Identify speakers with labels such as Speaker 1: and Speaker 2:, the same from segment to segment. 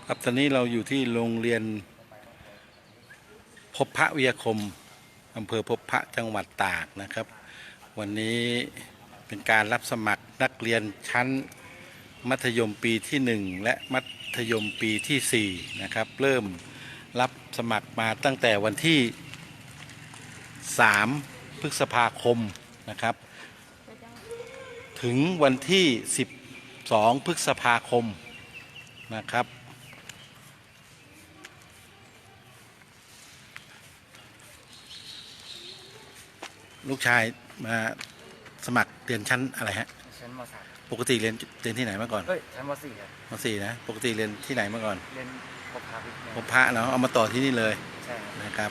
Speaker 1: ครับตอนนี้เราอยู่ที่โรงเรียนพบพระวิทยาคมอำเภอพบพระจังหวัดตากนะครับวันนี้เป็นการรับสมัครนักเรียนชั้นมัธยมปีที่1และมัธยมปีที่4นะครับเริ่มรับสมัครมาตั้งแต่วันที่3พฤษภาคมนะครับถึงวันที่12พฤษภาคมนะครับลูกชายมาสมัครเรียนชั้นอะไรฮะ
Speaker 2: ชั้นม .3
Speaker 1: ปกติเรียนที่ไหนมาก่อน
Speaker 2: ชั้นม .4 ครับ
Speaker 1: ม .4 นะปกติเรียนที่ไหนมาก่อน
Speaker 2: เรียนพบพาวิทย์
Speaker 1: พบพระเนาะเอามาต่อที่นี่เลย
Speaker 2: ใช่
Speaker 1: นะครับ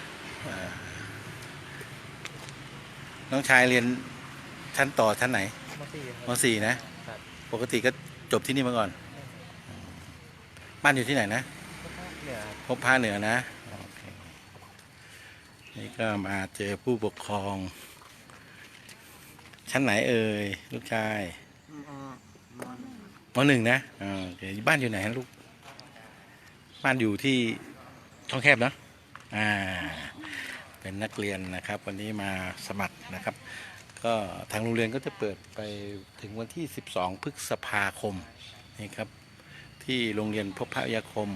Speaker 1: น้องชายเรียนชั้นต่อชั้นไหน
Speaker 2: ม .4
Speaker 1: ม .4 นะปกติก็จบที่นี่มาก่อนบ้านอยู่ที่ไหนนะพบพระเหนือนะนี่ก็มาเจอผู้ปกครองชั้นไหนเอ่ยลูกชายม .1 นะบ้านอยู่ไหนลูกบ้านอยู่ที่ช่องแคบเนาะเป็นนักเรียนนะครับวันนี้มาสมัครนะครับก็ทางโรงเรียนก็จะเปิดไปถึงวันที่12พฤษภาคมนี่ครับที่โรงเรียนพบพระวิทยาคม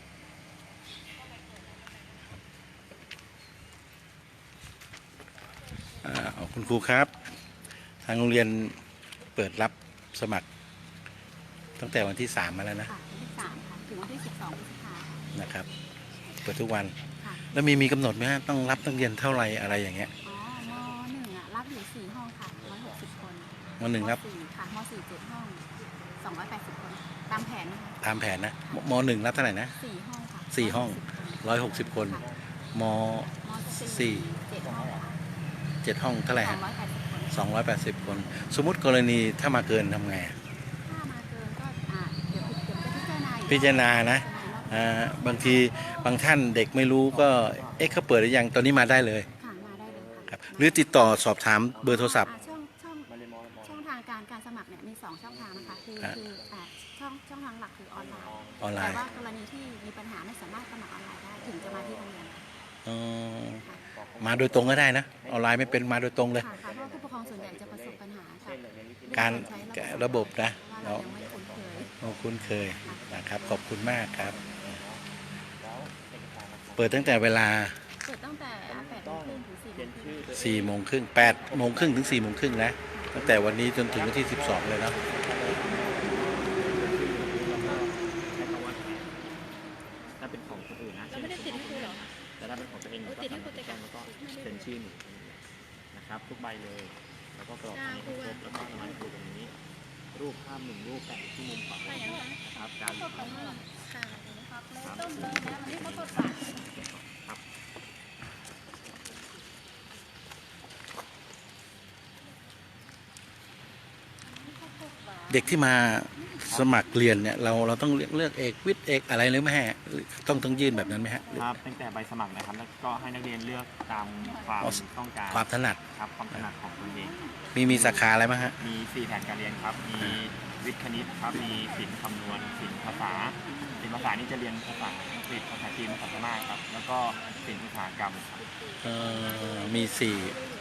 Speaker 1: คุณครูครับทางโรงเรียนเปิดรับสมัครตั้งแต่วันที่3มาแล้วนะ
Speaker 3: วันที่3ค่ะถึงวันที่12พฤษภาคม
Speaker 1: นะครับเปิดทุกวันแล้วมีกำหนดไหมฮะต้องรับนักเรียนเท่าไหร่อะไรอย่างเงี้ย
Speaker 3: ม .1 รับอยู่4ห้องค่ะ160คน
Speaker 1: ม .1 รับ
Speaker 3: ค่ะม .4 7ห้อง280คนตามแผนนะคะ
Speaker 1: ตามแผนนะม .1 รับเท่าไหร่นะ
Speaker 3: 4ห้องค่ะ
Speaker 1: 4ห้อง160คนม .4
Speaker 3: 7ห้องค่ะ
Speaker 1: 7ห้องเท่าไหร่ฮะ280คนสมมุติกรณีถ้ามาเกินทำไง
Speaker 3: ถ้ามาเกินก็เดี๋ยวจะ
Speaker 1: พิจารณานะบางทีบางท่านเด็กไม่รู้ก็เขาเปิดหรือยังตอนนี้มาได้เลย
Speaker 3: ค่ะมาได้เลย
Speaker 1: ครับหรือติดต่อสอบถามเบอร์โทรศัพท์
Speaker 3: ช่องทางการสมัครเนี่ยมี2ช่องทางนะคะคือช่องทางหลักคือออนไลน์แต่ว่ากรณีที่มีปัญหาไม่สามารถสมัครออนไลน์ได้ถึงจะมาที่โรงเรียน
Speaker 1: มาโดยตรงก็ได้นะออนไลน์ไม่เป็นมาโดยตรงเลย
Speaker 3: ค่ะเพราะผู้ปกครองส่วนใหญ่จะประสบปัญหา
Speaker 1: การระบบนะ
Speaker 3: เรายังไม่
Speaker 1: คุ้นเคยนะครับขอบคุณมากครับเปิดตั้งแต่เวลา
Speaker 3: 4 โมงครึ่งถึง
Speaker 1: 4 โมงครึ่งถึง4 โมงครึ่งนะตั้งแต่วันนี้จนถึงวันที่12เลยนะ
Speaker 2: ถ้าเป็นของคนอื่นนะ
Speaker 3: ไม่ได้ติดให้ครูหรอ
Speaker 2: แต่ถ้าเป็นของตัวเองก็ติดให้ครูแล้วก็เซ็นชื่อหนูนะครับทุกใบเลยแล้วก็กรอกให้ครบแล้วก็สมัครครูตรงนี้รูปภาพ1รูปแปะที่มุมขวานะครับการ
Speaker 3: ต้มเลยนะมันไม่เขาตดปาก
Speaker 1: เด็กที่มาสมัครเรียนเนี่ยเราต้องเลือกเอกวิทย์เอกอะไรหรือไม่ฮะต้องยื่นแบบนั้นไหมฮะ
Speaker 2: ครับตั้งแต่ใบสมัครนะครับแล้วก็ให้นักเรียนเลือกตามความต้องการ
Speaker 1: ความถนัด
Speaker 2: ครับความถนัดของตัวเอง
Speaker 1: มีสาขาอะไรบ้างฮะ
Speaker 2: มี4แผนการเรียนครับมีวิทย์คณิตครับมีศิลป์คำนวณศิลป์ภาษาศิลป์ภาษานี่จะเรียนภาษาอังกฤษภาษาจีนภาษาพม่าครับแล้วก็ศิลป์อุตสาหกรรมครับ
Speaker 1: มี4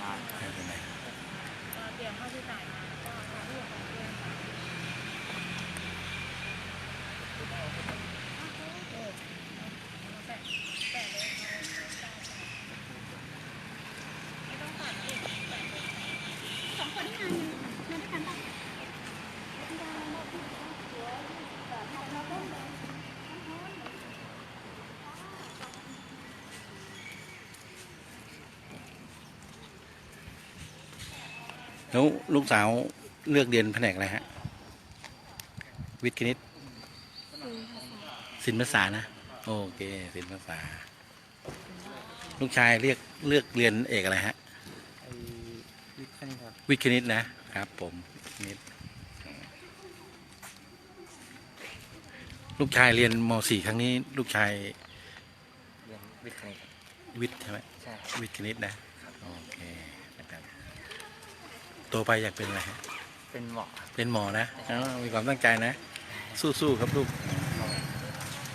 Speaker 1: แล้วลูกสาวเลือกเรียนแผนกอะไรฮะวิทย์คณิตศิลป์ภาษานะโอเคศิลป์ภาษาลูกชายเลือกเรียนเอกอะไรฮะวิทย์คณิตนะครับผมลูกชายเรียนม .4 ครั้งนี้ลูกชาย
Speaker 2: เรียนวิทย์คณิต
Speaker 1: วิทย์ใช่ไหม
Speaker 2: ใช่
Speaker 1: วิทย์คณิตนะโอเคนะครับโตไปอยากเป็นอะไรฮะ
Speaker 2: เป็นหมอ
Speaker 1: นะมีความตั้งใจนะสู้ๆครับลูก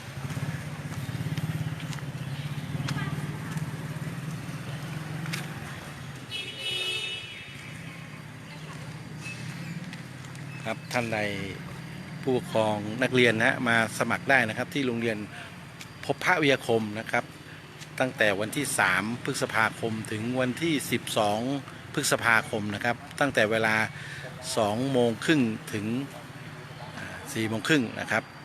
Speaker 1: ครับท่านใดผู้ปกครองนักเรียนนะมาสมัครได้นะครับที่โรงเรียนพบพระวิทยาคมนะครับตั้งแต่วันที่3พฤษภาคมถึงวันที่12พฤษภาคมนะครับตั้งแต่เวลา2 โมงครึ่งถึง4 โมงครึ่งนะครับ